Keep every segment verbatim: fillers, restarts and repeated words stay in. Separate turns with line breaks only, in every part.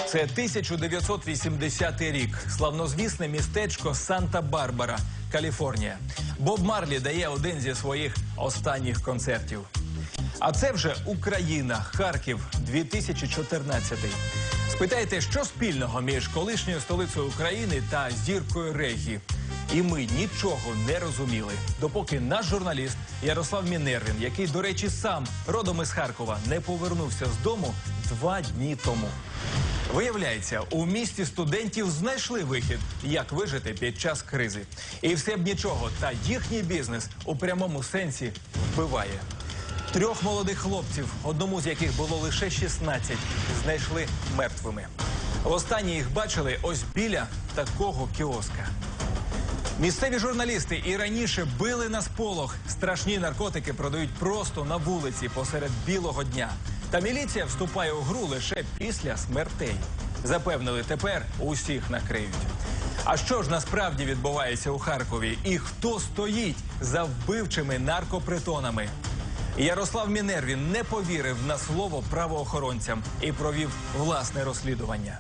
Це тисяча дев'ятсот вісімдесятий рік. Славнозвісне містечко Санта-Барбара, Каліфорнія. Боб Марлі дає один зі своїх останніх концертів. А це вже Україна, Харків, дві тисячі чотирнадцятий. Спитайте, що спільного між колишньою столицею України та зіркою реггі? І ми нічого не розуміли, допоки наш журналіст Ярослав Мінервін, який, до речі, сам родом із Харкова, не повернувся з дому два дні тому. Виявляється, у місті студентів знайшли вихід, як вижити під час кризи. І все б нічого, та їхній бізнес у прямому сенсі вбиває. Трьох молодих хлопців, одному з яких було лише шістнадцять, знайшли мертвими. Востаннє їх бачили ось біля такого кіоска. Місцеві журналісти і раніше били на сполох. Страшні наркотики продають просто на вулиці посеред білого дня. Та міліція вступає у гру лише після смертей. Запевнили, тепер усіх накриють. А що ж насправді відбувається у Харкові? І хто стоїть за вбивчими наркопритонами? Ярослав Мінервін не повірив на слово правоохоронцям і провів власне розслідування.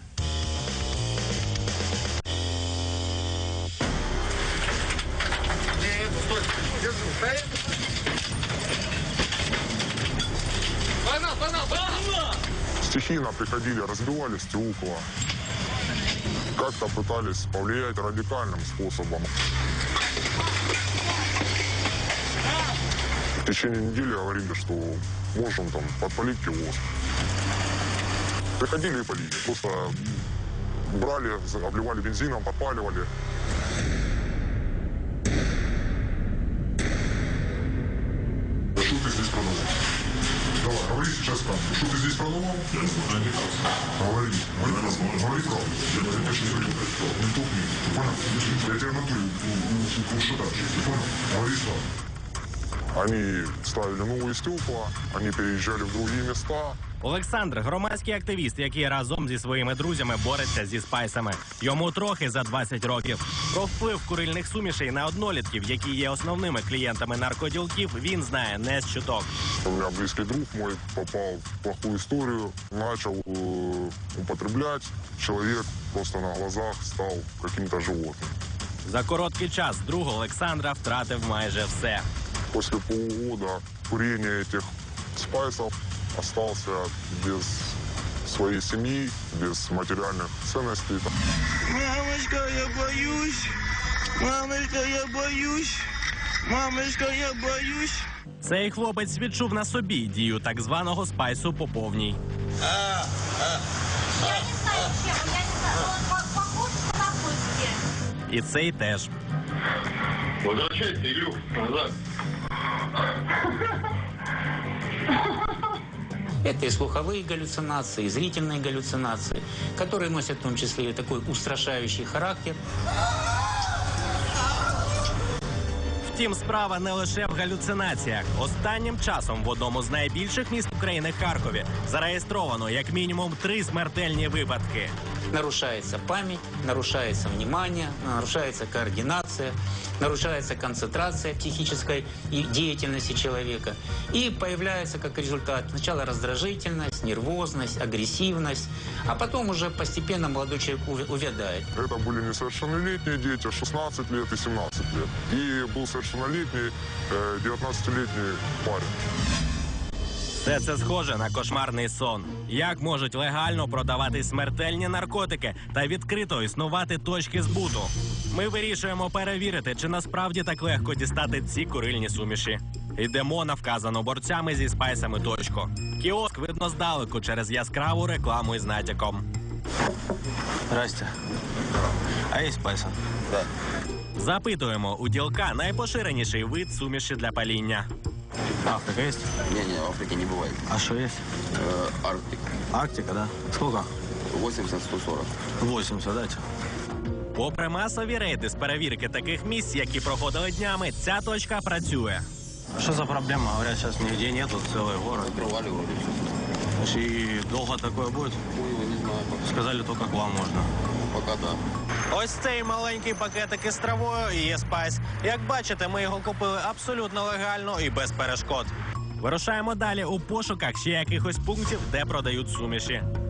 Стихийно приходили, разбивали стекла. Как-то пытались повлиять радикальным способом. В течение недели говорили, что можем там подпалить киоск. Приходили и полили. Просто брали, обливали бензином, подпаливали. Что ты здесь продавал? Давай, говори сейчас правду. Что ты здесь продавал? Я не знаю, не так. Говори. Говори правду. Говори правду. Я не хочу не говорю. Не тупни. Ты понял? Я тебя на ту ушатаю. Ты понял? Говори правду. Они ставили новые стекла, они переезжали в другие места.
Олександр – громадський активіст, який разом зі своїми друзями бореться зі спайсами. Йому трохи за двадцять років. Про вплив курильних сумішей на однолітків, які є основними клієнтами наркоділків, він знає не з чуток.
У меня близкий друг мой попал в плохую историю, начал э, употреблять. Человек просто на глазах стал каким-то животным.
За короткий час друг Олександра втратив майже все.
После полугода курения этих спайсов остался без своей семьи, без материальных ценностей.
Мамочка, я боюсь. Мамочка, я боюсь. Мамочка, я боюсь.
Цей хлопець відчув на собі дію так званого спайсу по повній.
Я не знаю, чем. Я не знаю. Он похож на наркотики.
І цей теж.
Возвращайся, Илюх, назад.
Это и слуховые галлюцинации, и зрительные галлюцинации, которые носят в том числе и такой устрашающий характер.
Втім, справа не лише в галюцинаціях. Останнім часом в одному з найбільших міст України – Харкові зареєстровано як мінімум три смертельні випадки.
Нарушается память, нарушается внимание, нарушается координация, нарушается концентрация психической и деятельности человека. И появляется как результат сначала раздражительность, нервозность, агрессивность, а потом уже постепенно молодой человек увядает.
Это были несовершеннолетние дети, шестнадцать лет и семнадцать лет. И был совершеннолетний э, девятнадцатилетний парень.
Все це схоже на кошмарний сон. Як можуть легально продавати смертельні наркотики та відкрито існувати точки збуту? Ми вирішуємо перевірити, чи насправді так легко дістати ці курильні суміші. Йдемо на вказану борцями зі спайсами точку. Кіоск видно здалеку через яскраву рекламу із натяком.
Здрасте. А є спайси?
Да. Запитуємо у ділка найпоширеніший вид суміші для паління.
Африка есть?
Не-не, в Африке не бывает.
А что есть?
Э, Арктика.
Арктика, да? Сколько?
восемьдесят сто сорок.
восемьдесят, дайте.
Попри масові рейди з перевірки таких місць, які проходили днями, ця точка працює.
Что за проблема? Говорят, сейчас нигде нету, целый город.
Открывали вроде все.
И долго такое будет?
Ой, не знаю.
Сказали, только к вам можно.
Пока да.
Ось цей маленький пакетик із травою і є спайс. Як бачите, ми його купили абсолютно легально і без перешкод. Вирушаємо далі у пошуках ще якихось пунктів, де продають суміші.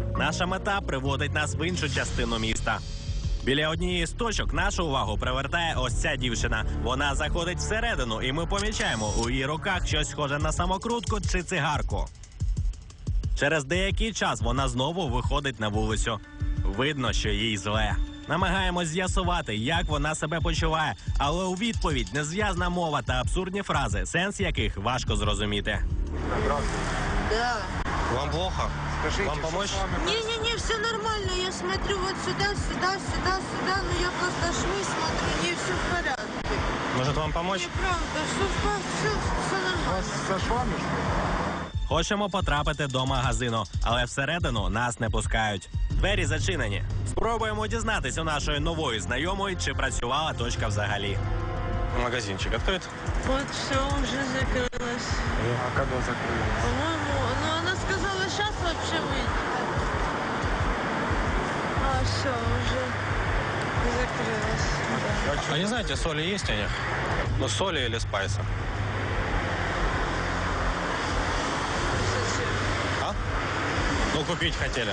Наша мета приводить нас в іншу частину міста. Біля однієї з точок нашу увагу привертає ось ця дівчина. Вона заходить всередину, і ми помічаємо у її руках щось схоже на самокрутку чи цигарку. Через деякий час вона знову виходить на вулицю. Видно, що їй зле. Намагаємось з'ясувати, як вона себе почуває, але у відповідь незв'язна мова та абсурдні фрази, сенс яких важко зрозуміти.
Да.
Вам плохо? Вам помочь?
Не-не-не, все нормально. Я смотрю вот сюда, сюда, сюда, сюда. Ну я просто шмы смотрю, не все в порядке.
Может, вам помочь?
Неправда, все, все, все нормально.
Хочемо потрапити до магазину, але всередину нас не пускають. Двері зачинені. Спробуємо дізнатись у нашої нової знайомої, чи працювала точка взагалі.
Магазинчик открыт?
Вот все уже закрылось.
А когда закрылось?
По-моему, ну она сказала, сейчас вообще выйдет. А все, уже закрылось.
А не знаете, соли есть у них? Ну, соли или спайса?
Зачем?
А? Ну, купить хотели.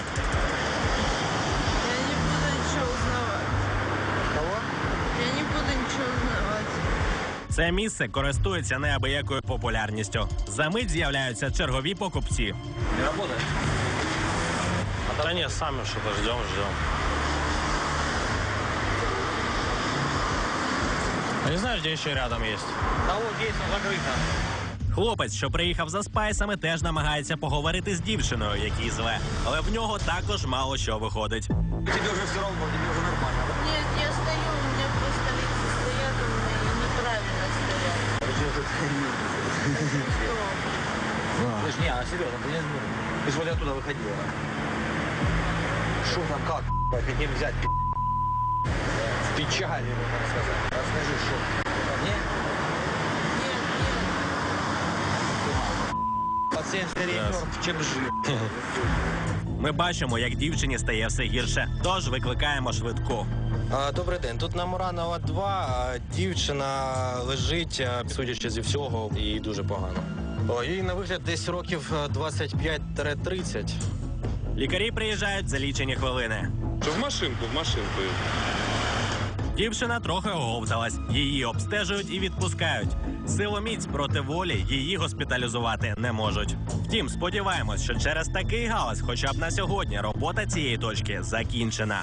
Я не буду ничего узнавать.
Кого?
Я не буду ничего узнавать.
Це місце користується неабиякою популярністю. Замить з'являються чергові покупці.
Не работает? Да нет, сами что-то ждем, ждем. А не знаешь, где еще рядом есть?
Да вот есть, но закрыто.
Хлопець, що приїхав за спайсами, теж намагається поговорити з дівчиною, якій зле. Але в нього також мало що виходить.
Тебе уже все равно, тебе уже нормально, да?
Нет, я стою, у меня просто лица стоят, у меня и неправильно стоят.
Слышь, не, а серьезно, ты не ты же вроде оттуда выходила. Что там, как, хотим взять, в печали, можно сказать. Расскажи, что. Не?
Нет, нет.
Пациент скорее мертв, чем жив.
Ми бачимо, як дівчині стає все гірше, тож викликаємо швидку.
А, добрий день. Тут на Муранова два, а дівчина лежить, а, судячи зі всього, їй дуже погано. О, їй на вигляд десь років двадцять п'ять тридцять.
Лікарі приїжджають за лічені хвилини.
В машинку, в машинку.
Дівчина трохи оговталась, її обстежують і відпускають. Силоміць проти волі її госпіталізувати не можуть. Втім, сподіваємось, що через такий галас хоча б на сьогодні робота цієї точки закінчена.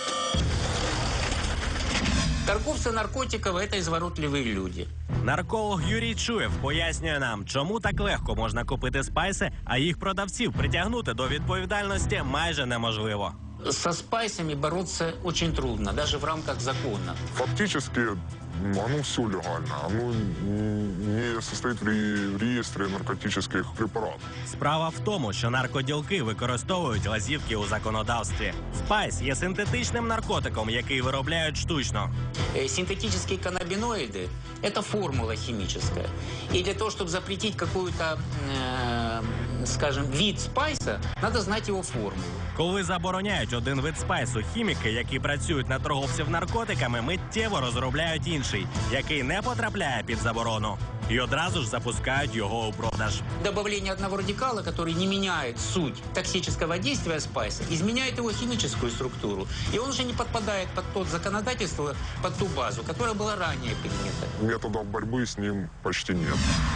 Торговцы наркотиков – это изворотливые люди.
Нарколог Юрій Чуєв пояснює нам, чому так легко можна купити спайси, а їх продавців притягнути до відповідальності майже неможливо.
Со спайсами бороться очень трудно, даже в рамках закона.
Фактически, ну, оно все легально. Оно не состоит в ре- в реестре наркотических препаратов.
Справа в тому, що наркоділки використовують лазівки у законодавстві. Спайс є синтетичним наркотиком, який виробляють штучно.
Э, Синтетические каннабиноиды – это формула химическая. И для того, чтобы запретить какой-то, э, скажем, вид спайса, надо знать его формулу.
Коли забороняють один вид спайсу, хіміки, які працюють на торговців наркотиками, миттєво розробляють інший, який не потрапляє під заборону. І одразу ж запускають його у продаж.
Добавление одного радикала, который не меняет суть токсического действия спайса, изменяет его химическую структуру. И он уже не подпадает под тот законодательство, под ту базу, которая была ранее принята.
Методов борьбы с ним почти нет.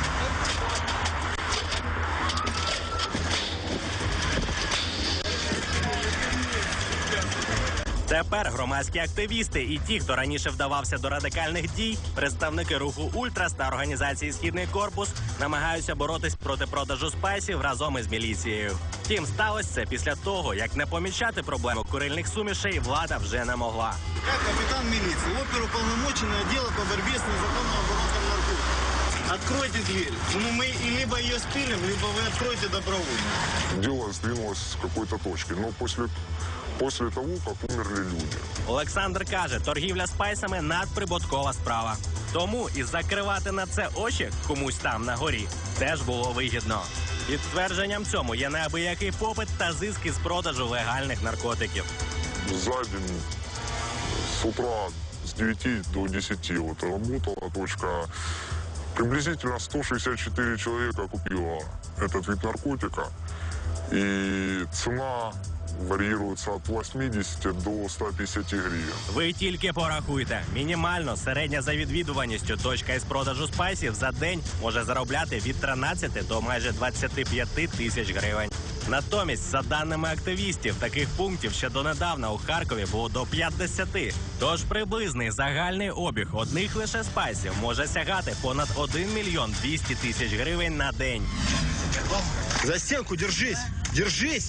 Тепер громадські активісти і ті, хто раніше вдавався до радикальних дій, представники руху «Ультрас» та організації «Східний корпус» намагаються боротись проти продажу спайсів разом із міліцією. Втім, сталося це після того, як не помічати проблему курильних сумішей влада вже не могла.
Я капитан милиции, оперуполномоченный отдела по борьбе с незаконным оборотом наркотиков. Откройте дверь. Ну, мы и либо ее спилим, либо вы откроете добровольно.
Дело сдвинулось с какой-то точки, но после, после того, как умерли люди.
Олександр каже, торгівля спайсами – надприбуткова справа. Тому і закривати на це очі комусь там на горі теж було вигідно. Підтвердженням цьому є неабиякий попит та зиск із продажу легальних наркотиків.
За день с утра с девяти до десяти вот работала точка. Приблизительно сто шестьдесят четыре человека купило этот вид наркотика. И цена варьируется от восьмидесяти до ста пятидесяти гривен.
Ви тільки порахуйте. Мінімально середня за відвідуваністю точка із продажу спайсів за день може заробляти від тринадцяти до майже двадцяти п'яти тисяч гривень. Натомість, за даними активістів, таких пунктів ще донедавна у Харкові було до п'ятдесяти. Тож приблизний загальний обіг одних лише спайсів може сягати понад один мільйон двісті тисяч гривень на день.
За стенку держись! Держись!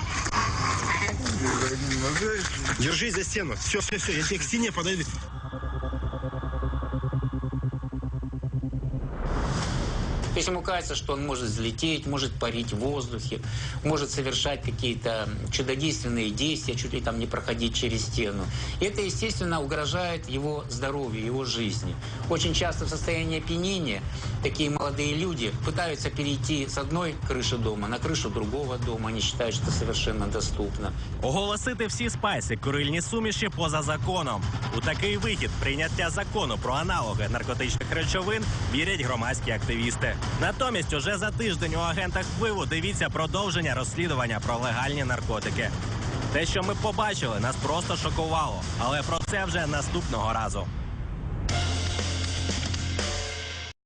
Держись за стену. Все, все, все, я тебе к стене подойду.
Если ему кажется, что он может взлететь, может парить в воздухе, может совершать какие-то чудодейственные действия, чуть ли там не проходить через стену. И это, естественно, угрожает его здоровью, его жизни. Очень часто в состоянии опьянения такие молодые люди пытаются перейти с одной крыши дома на крышу другого дома. Они считают, что это совершенно доступно.
Оголосити всі спайси курильні суміші поза законом. У такий вихід прийняття закону про аналоги наркотичних речовин вірять громадські активісти. Натомість уже за тиждень у агентах впливу дивіться продовження розслідування про легальні наркотики. Те, що ми побачили, нас просто шокувало. Але про це вже наступного разу.